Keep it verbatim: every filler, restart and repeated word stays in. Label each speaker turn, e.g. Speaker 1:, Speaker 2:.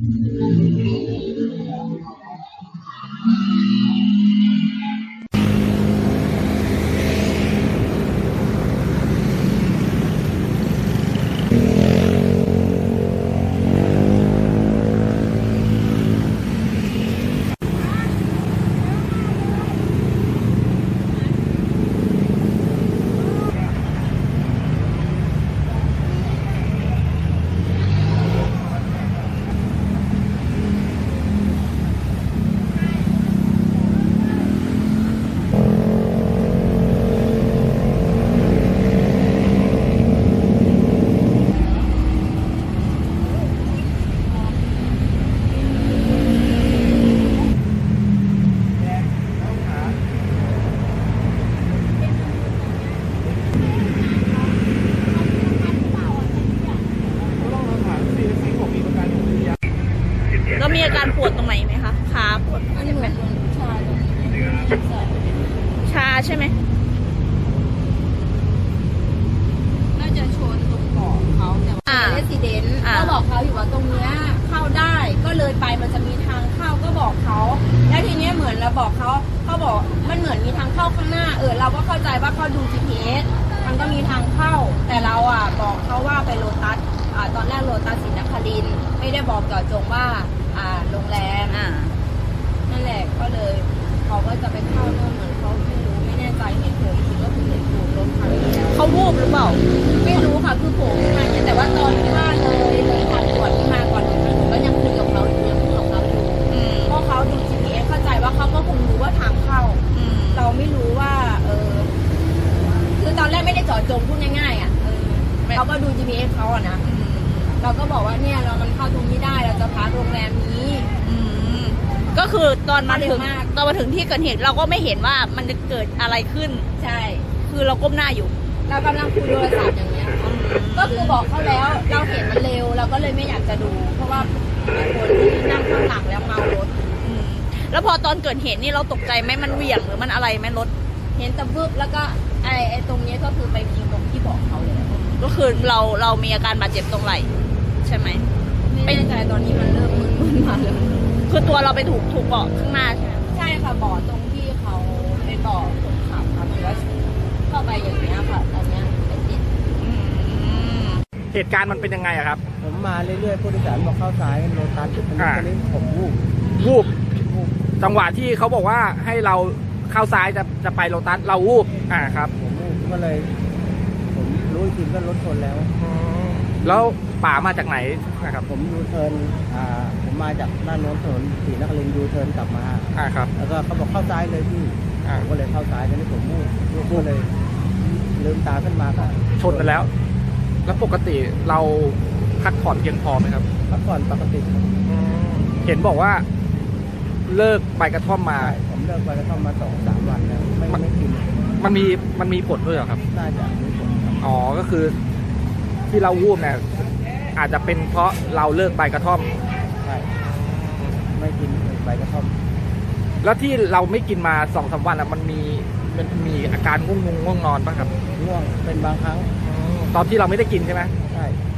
Speaker 1: แล้วมีอาการปวดตรงไหนไหมคะขาปวด
Speaker 2: มันเหมือนชา
Speaker 1: ชาใช่ไหม
Speaker 2: น่าจะชนตรงเกาะเขาแต่ว่าเรสซิเดนต์ก็บอกเขาอยู่ว่าตรงเนี้ยเข้าได้ก็เลยไปมันจะมีทางเข้าก็บอกเขาแล้วทีเนี้ยเหมือนเราบอกเขาเขาบอกมันเหมือนมีทางเข้าข้างหน้าเออเราก็เข้าใจว่าเขาดู จี พี เอส มันก็มีทางเข้าแต่เราอ่ะบอกเขาว่าไปโลตัสอ่าตอนแรกโลตัสศรีนครินทร์ไม่ได้บอกเจาะจงว่าอ่าโรงแรมอ่านั่นแหละก็เลยเขาก็จะไปเข้าโน่นเหมือนเขาไม่รู้ไม่แน่ใจเห็นผมคิดว่าคือเห็นถูกรถคันนี้แล้ว
Speaker 1: เขาวูบหรือเปล่า
Speaker 2: ไม่รู้ค่ะคือผมทางแต่ว่าตอนที่ว่าเลยเลยทางด่วนที่มาก่อนถึงนั้นผมก็ยังคุยกับเขาอยู่ยังคุยกับเขาอยู่เพราะเขาดู จี พี เอส เข้าใจว่าเขาก็คงรู้ว่าทางเข้าเราไม่รู้ว่าเออคือตอนแรกไม่ได้เจาะจงพูดง่ายๆอ่ะเออเราก็ดู จี พี เอส เขาอะนะเราก็บอกว่าเนี่ยเรามันเข้าตรงนี้ได้เราจะพักโรงแรมนี้
Speaker 1: ก็คือตอนมาถึงตอนมาถึงที่เกิดเหตุเราก็ไม่เห็นว่ามันจะเกิดอะไรขึ้น
Speaker 2: ใช่
Speaker 1: คือเราก้มหน้าอยู่
Speaker 2: เรากำลังคุยโทรศัพท์อย่างเงี้ยก็คือบอกเขาแล้วเราเห็นมันเร็วเราก็เลยไม่อยากจะดูเพราะว่าเป็นคนที่นั่งข้างหลังแล้วเมารถ
Speaker 1: แล้วพอตอนเกิดเหตุนี่เราตกใจไหมมันเหวี่ยงหรือมันอะไรไหมรถ
Speaker 2: เห็นตะบึบแล้วก็ไอ้ไอ้ตรงนี้ก็คือไปพิงตรงที่บอกเขาเลย
Speaker 1: ก็คือเราเรามีอาการบาดเจ็บตรงไหล่ใช่ไหม
Speaker 2: ไม่แน่ใจตอนนี้มันเริ่มมึนๆมาเลย
Speaker 1: คือตัวเราไปถูกถูกเบาะข้างหน้าใช่ไหม
Speaker 2: ใช่ค่ะเบาะตรงที่เขาเป็นเบาะคนขับค่ะแล้วเข้าไปอย่างเงี้ยค่ะตอนเนี้ยไปติด
Speaker 3: เหตุการณ์มันเป็นยังไงอะครับ
Speaker 4: ผมมาเรื่อยๆผู้โดยสารบอกเข้าซ้ายโลตัสอันนี้ตอนนี้ผมวูบ
Speaker 3: วูบจังหวะที่เขาบอกว่าให้เราเข้าซ้ายจะจะไปโลตัสเราวูบอ่าครับ
Speaker 4: ผมวูบก็เลยผมรู้จริงก็รถชนแล้ว
Speaker 3: แล้วป่ามาจากไหนนะครับ
Speaker 4: ผมยูเทิร์นอ่าผมมาจากด้านโน้นถนนศรีนครินทร์ยูเทิร์นกลับมา
Speaker 3: อ่าครับ
Speaker 4: แล้วก็เขาบอกเข้าซ้ายเลยพี่อ่าก็เลยเข้าซ้ายตอนนี้ผมวูบวูบก็เลยลืมตาขึ้นมาก็
Speaker 3: ชนไปแล้วแล้วปกติเราพักผ่อนเพียงพอไหมครับ
Speaker 4: พักผ่อนปกติ
Speaker 3: เห็นบอกว่าเลิกใบกระท่อมมา
Speaker 4: ผมเลิกใบกระท่อมมาสองสามวันแล้วไม่ไม่กิน
Speaker 3: มันมีมันมีผลด้วยเหรอครับ
Speaker 4: น่าจะมีผล
Speaker 3: อ๋อก็คือที่เราวูบเนี่ยอาจจะเป็นเพราะเราเลิกใบกระท่อม
Speaker 4: ใช่ไม่กินใบกระท่อม
Speaker 3: แล้วที่เราไม่กินมาสองสามวันอ่ะมันมีมันมีอาการง่วงงง่วงนอนป่ะครับ
Speaker 4: ง่วงเป็นบางครั้ง
Speaker 3: ตอนที่เราไม่ได้กินใช่ไหม
Speaker 4: ใช่